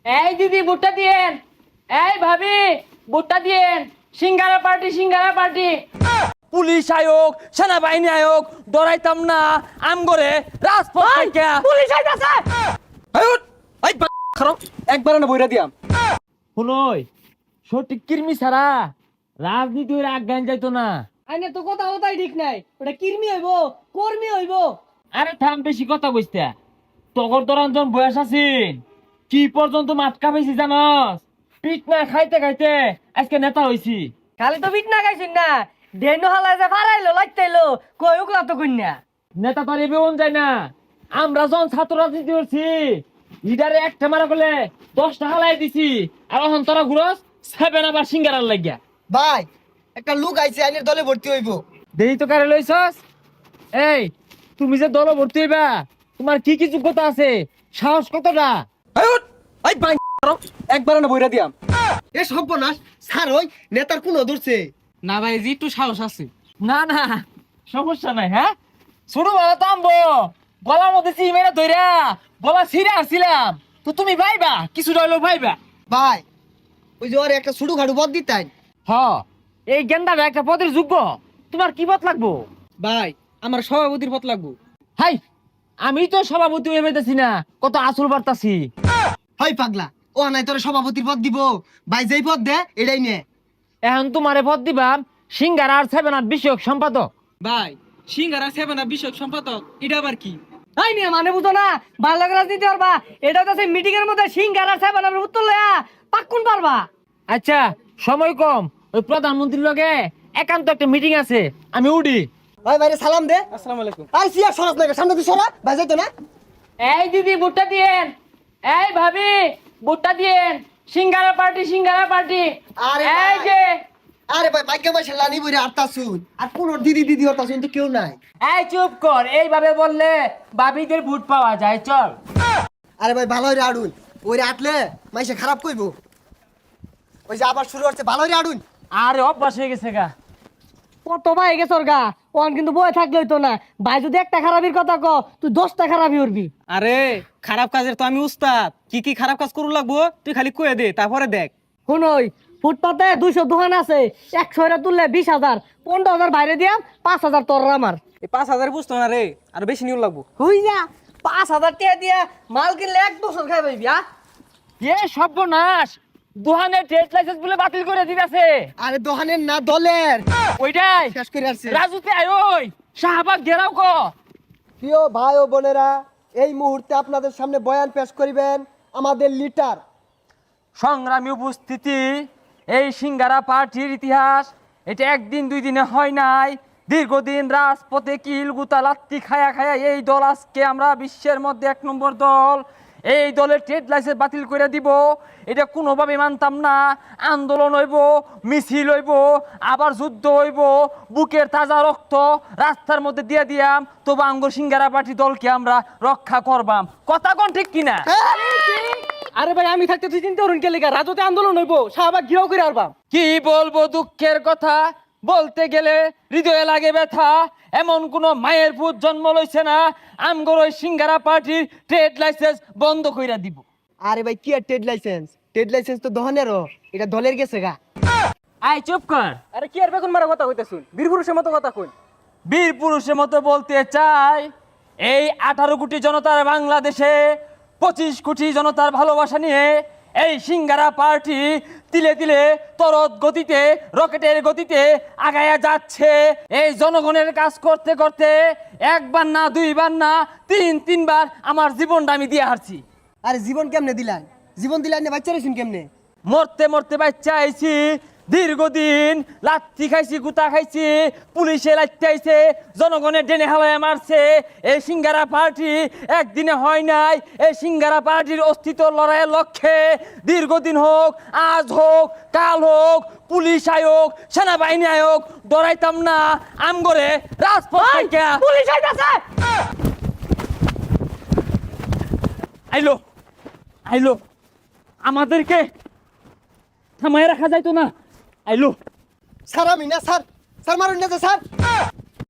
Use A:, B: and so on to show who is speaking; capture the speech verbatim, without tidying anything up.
A: এই দিদি ভুট্টা দিয়েন, এই ভাবি ভুট্টা দিয়েন, singara party singara party.
B: Police আয়োগ সেনাবাহিনী আয়োগ ডরাইতাম না আম করে রাজপথ থেকে
A: পুলিশ আইতাছে।
C: একবার না বইরা দিয়াম।
B: শুনই সঠিক কির্মি ছাড়া রাজনীতি হইলে আজ্ঞান যাইতো না।
A: আইনে তো কথা কথাই ঠিক নাই, ওটা কির্মি হইব কর্মী হইব।
B: আরে থাম বেশি কথা কইস্তা, তগর দরাঞ্জন বয়স আছিন কি পর্যন্ত মাতকা পেয়েছি জানস? পিট না খাইতে খাইতে আজকে নেতা হইছি।
A: খালি তো বিট না গাইছিন না, ডেনো হালা যে ফারাইলো লাইতাইলো কই উকলা তো কইনা।
B: নেতা তো আর এবেউন যায় না। আমরা যখন ছাত্র রাজনীতি করছি লিডারে একটা মারা করলে দশ টাকা লাই দিছি, আর এখন তোরা ঘুরস সেভেন আবার সিঙ্গারার লাগিয়া।
C: ভাই একটা লোক আইছে আইনের দলে ভর্তি হইব।
B: দেরি তো কারে লইছস? এই তুমি যে দল ভর্তি হইবা তোমার কি কি যোগ্যতা আছে, সাহস কতটা?
C: একবার না বইরা দিয়াম। এ সর্বনাশ স্যার ওই নেতার কোন ধরছে
A: না ভাই জি একটু সাহস আছে।
B: না না সমস্যা নাই। হ্যাঁ ছোট বড় তামবো গলার মধ্যে চিমেরা ধইরা গলা ছিঁড়ে আসছিলাম তো তুমি ভাইবা কিছু রইলো ভাইবা।
C: ভাই ওই যে ওর একটা ছুটু খাটু পদ দিতেন।
B: হ এই গেন্দাটা একটা পদের যোগ্য, তোমার কি পথ লাগবো?
A: ভাই আমার সভাপতির পথ লাগবো।
B: হাই আমি তো সভাপতি হয়ে পেতেছি না, কত আসল বার্তাছি।
C: হয় পাগলা ও নাই তোর সভাপতির পদ দিব। ভাই যেই পদ দে এটাই নে।
B: এখন তোমারে পদ দিবাম সিঙ্গার আর সেভেন আর বিষয়ক সম্পাদক।
A: ভাই সিঙ্গারা সেভেনা বিষয়ক সম্পাদক এটা আবার কি? তাই নিয়ে মানে বুঝো না, ভালো রাজনীতি পারবা এটা তো মিটিং এর মধ্যে সিঙ্গারা সেভেনার উত্তর লয়া পাক্কুন পারবা।
B: আচ্ছা সময় কম, ওই প্রধানমন্ত্রীর লগে একান্ত একটা মিটিং আছে, আমি উডি।
C: ভাই ভাইরে সালাম দে।
A: আসসালামু আলাইকুম।
C: আর সিয়া সরাস না সামনে তুই সরা ভাই যাইতো না।
A: এই দিদি ভুট্টা দিয়েন, এই ভাবি ভুট্টা দিয়েন, সিঙ্গারা পার্টি সিঙ্গারা পার্টি।
C: আরে
A: এই
C: ভাই।
A: যে
C: আরে ভাই ভাগ্য ভাই লানি বইরে আটটা শুন আর কোন দিদি দিদি হতা শুন তো কেউ নাই।
B: এই চুপ কর, এইভাবে বললে বাবিদের ভোট পাওয়া যায়, চল।
C: আরে ভাই ভালো হইরে আড়ুন ওইরে আটলে মাইসে খারাপ কইবো। ওই যে আবার শুরু হচ্ছে ভালো হইরে আড়ুন।
B: আরে অভ্যাস হয়ে গেছে গা।
A: কত ভাই গেছে ওর গা, ওন কিন্তু বয়ে থাকলে হইতো না। ভাই যদি একটা খারাপির কথা ক তুই দশটা খারাপি উঠবি।
D: আরে খারাপ কাজের তো আমি উস্তাদ, কি কি খারাপ কাজ করু লাগবো তুই খালি কয়ে দে তারপরে দেখ।
A: শুনই ফুটপাতে দুইশো দোকান আছে, একশো এরা তুললে বিশ হাজার, পনেরো হাজার বাইরে দিয়াম, পাঁচ হাজার তোর আমার।
D: এই পাঁচ হাজার বুঝতো না রে, আর বেশি নিউ লাগবো।
A: হুই যা পাঁচ হাজার টাকা দিয়া মাল কিনলে এক বছর খাই পাইবি। আ
B: এ সর্বনাশ, দোহানের ট্রেড লাইসেন্স বলে বাতিল করে দিতেছে।
C: আরে দোকানের না দলের
B: ওইটাই
C: শেষ করে আসছে।
B: রাজুতে আয়, ওই শাহবাগ ঘেরাও কর।
C: প্রিয় ভাই ও বোনেরা এই মুহূর্তে আপনাদের সামনে বয়ান পেশ করিবেন আমাদের লিডার।
B: সংগ্রামী উপস্থিতি, এই সিঙ্গারা পার্টির ইতিহাস এটা একদিন দুই দিনে হয় নাই, দীর্ঘদিন রাজপথে কিল গুতা লাত্তি খায়া খায়া এই দল আজকে আমরা বিশ্বের মধ্যে এক নম্বর দল। এই দলের ট্রেড লাইসেন্স বাতিল করে দিব এটা কোনোভাবে মানতাম না। আন্দোলন হইব, মিছিল হইব, আবার যুদ্ধ হইব, বুকের তাজা রক্ত রাস্তার মধ্যে দিয়ে দিয়াম, তবু আঙ্গুর সিঙ্গারা পার্টি দলকে আমরা রক্ষা করবাম। কথা কোন ঠিক কিনা?
A: আরে ভাই আমি থাকতে তুই চিন্তা করুন কে লেগা রাজতে আন্দোলন হইব, শাহবাগ ঘিরাও করে আরবাম।
B: কি বলবো দুঃখের কথা, বলতে গেলে হৃদয়ে লাগে ব্যথা। এমন কোন মায়ের পুত জন্ম লইছে না আমগর ওই সিঙ্গারা পার্টির ট্রেড লাইসেন্স বন্ধ কইরা দিব।
C: আরে ভাই কি আর ট্রেড লাইসেন্স, ট্রেড লাইসেন্স তো দোকানেরও, এটা দলের গেছে গা।
B: আয় চুপ কর।
D: আরে কি আর বেগুন মারা কথা কইতে শুন, বীর পুরুষের মতো কথা কই।
B: বীর পুরুষের মতো বলতে চাই, এই আঠারো কোটি জনতার বাংলাদেশে পঁচিশ কোটি জনতার ভালোবাসা নিয়ে এই সিঙ্গারা পার্টি তিলে তিলে তরত গতিতে রকেটের গতিতে আগায়া যাচ্ছে। এই জনগণের কাজ করতে করতে একবার না দুইবার না তিন তিনবার আমার জীবনটা আমি দিয়ে হারছি।
C: আরে জীবন কেমনে দিলেন, জীবন দিলেন না বাচ্চা রেছেন কেমনে?
B: মরতে মরতে বাচ্চা আইছি, দীর্ঘদিন লাত্তি খাইছি, গুতা খাইছি, পুলিশে লাত্তি আইছে, জনগণের ডেনে হাওয়ায় মারছে। এই সিঙ্গারা পার্টি একদিনে হয় নাই। এই সিঙ্গারা পার্টির অস্তিত্ব লড়াইয়ের লক্ষ্যে দীর্ঘদিন হোক, আজ হোক, কাল হোক, পুলিশ আয়োগ সেনাবাহিনী আয়োগ ডরাইতাম না আমগরে রাজপথ থেকে।
A: পুলিশ আইতাছে।
B: আইলো আইলো, আমাদেরকে থামায় রাখা যাইতো না। আইলো
C: স্যার আমি না স্যার, স্যার মারুন না স্যার।